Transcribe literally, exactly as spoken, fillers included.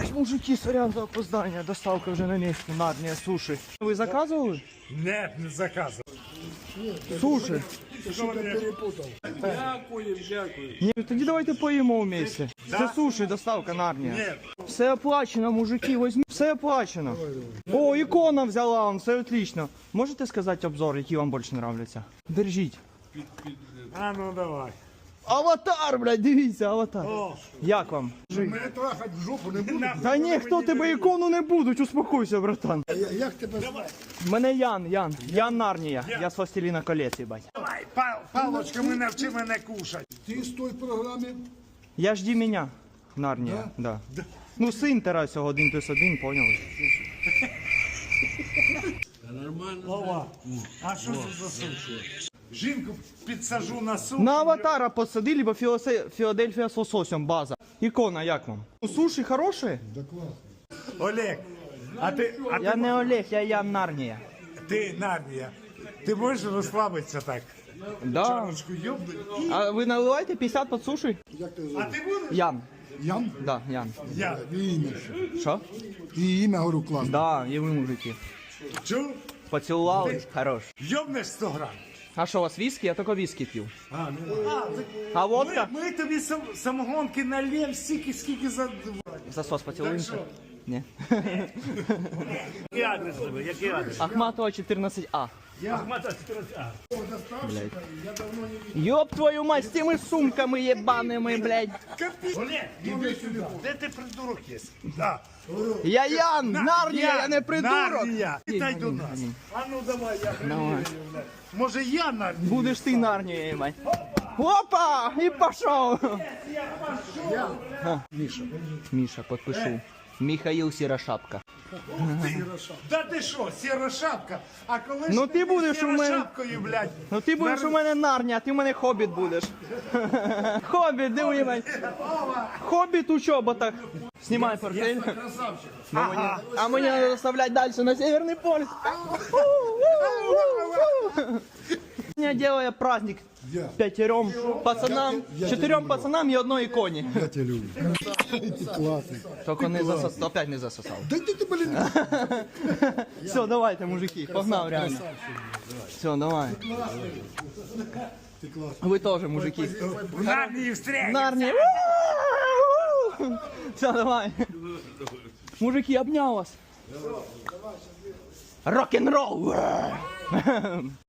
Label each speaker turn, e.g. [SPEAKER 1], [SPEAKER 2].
[SPEAKER 1] Мужики, сорян за опоздання, доставка вже на місці, Нарнія, суші. Ви заказували?
[SPEAKER 2] Не, не заказував.
[SPEAKER 1] Суші.
[SPEAKER 2] Дякую, дякую.
[SPEAKER 1] Ні, тоді давайте поїмо вместе. Це суші, доставка Нарнія.
[SPEAKER 2] Ні.
[SPEAKER 1] Все оплачено, мужики, візьміть. Все оплачено. О, ікона взяла вам, все отлично. Можете сказати обзор, які вам більше нравляться? Держіть.
[SPEAKER 2] А ну давай.
[SPEAKER 1] Аватар, блядь, дивіться, аватар.
[SPEAKER 2] О.
[SPEAKER 1] Як вам?
[SPEAKER 3] Мене трахать в жопу не буде.
[SPEAKER 1] Та ніхто тебе ікону не будуть, успокойся, братан.
[SPEAKER 3] А я- Як тебе звати?
[SPEAKER 1] Мене Ян, Ян, Ян Нарнія. Я з Властеліна колець, їбать.
[SPEAKER 2] Давай, пал, палочками навчи мене кушати.
[SPEAKER 3] Ти з той програми?
[SPEAKER 1] Я жді мене. Нарнія, да. Ну, син Тарас, один плюс один, поняли?
[SPEAKER 2] Вова, а що це за суші? Жінку підсажу на суші.
[SPEAKER 1] На аватара посади, либо Філосе- Філадельфія з лососем, база. Ікона, як вам? Суші хороші?
[SPEAKER 3] Да класно.
[SPEAKER 2] Олег, а ти, а
[SPEAKER 1] Я
[SPEAKER 2] ти,
[SPEAKER 1] не Олег, я Ян Нарнія.
[SPEAKER 2] ти Нарнія, ти можеш розслабитися так?
[SPEAKER 1] Да.
[SPEAKER 2] Чарочку йобни.
[SPEAKER 1] А ви наливаєте п'ятдесят під суші?
[SPEAKER 3] Як ти
[SPEAKER 2] А
[SPEAKER 3] звати?
[SPEAKER 2] ти будеш?
[SPEAKER 1] Ян.
[SPEAKER 3] Ян?
[SPEAKER 1] Да, Ян.
[SPEAKER 2] Я.
[SPEAKER 3] І ім'я ще.
[SPEAKER 1] Що?
[SPEAKER 3] І ім'я, говорю, класно.
[SPEAKER 1] Да, і ви мужики.
[SPEAKER 2] Чув?
[SPEAKER 1] Поцілували? Хорош.
[SPEAKER 2] Йобнеш сто грам.
[SPEAKER 1] А що, у вас віскі? Я тільки віскі п'ю.
[SPEAKER 2] А, ну, а, так
[SPEAKER 1] А
[SPEAKER 2] ми,
[SPEAKER 1] водка?
[SPEAKER 2] ми тобі сам, самогонки нальємо стільки, скільки за...
[SPEAKER 1] Засос поцілуємося?
[SPEAKER 2] Так
[SPEAKER 1] Ні.
[SPEAKER 2] Який адрес тебе? Який адрес?
[SPEAKER 1] Ахматова чотирнадцять А.
[SPEAKER 2] Ахмата чотирнадцять А.
[SPEAKER 1] Ёб твою мать, з тими сумками єбаними, блядь.
[SPEAKER 2] Олег, іди сюди. Де ти придурок є? Да.
[SPEAKER 1] Я Ян, Нарнія, я не придурок.
[SPEAKER 2] Нарнія. Вітай до нас. А ну давай, я приїду. Може я Нарнія?
[SPEAKER 1] Будеш ти Нарнія, їбать. Опа! І пошов. Міша. Міша, підпишу. Михаїл Сірошапка.
[SPEAKER 2] Да ти що, сіра шапка? А коли
[SPEAKER 1] Ну
[SPEAKER 2] ж
[SPEAKER 1] ти будеш у мене-
[SPEAKER 2] шапкою, блядь?
[SPEAKER 1] Ну ти будеш у мене Нарнія, а ти у мене Хобіт будеш. Хобіт, диви, їбать. Хобіт у чоботах. Знімай портфель.
[SPEAKER 2] Ага.
[SPEAKER 1] А мені треба доставлять далі на Северний полюс. Я делаю праздник
[SPEAKER 3] Я.
[SPEAKER 1] пятером пацанам, чотирьом пацанам і одной іконі.
[SPEAKER 3] Я тебе люблю. Ти класний.
[SPEAKER 1] Тільки не засосав, опять не засосав.
[SPEAKER 3] Да ти, ти, блін.
[SPEAKER 1] Все, давайте, мужики, погнав реально. Все, давай.
[SPEAKER 3] Ти класний.
[SPEAKER 1] Ви теж, мужики.
[SPEAKER 2] В Нарнії встряй.
[SPEAKER 1] Нарнія. Все, давай. Мужики, обняв вас. Рок-н-ролл.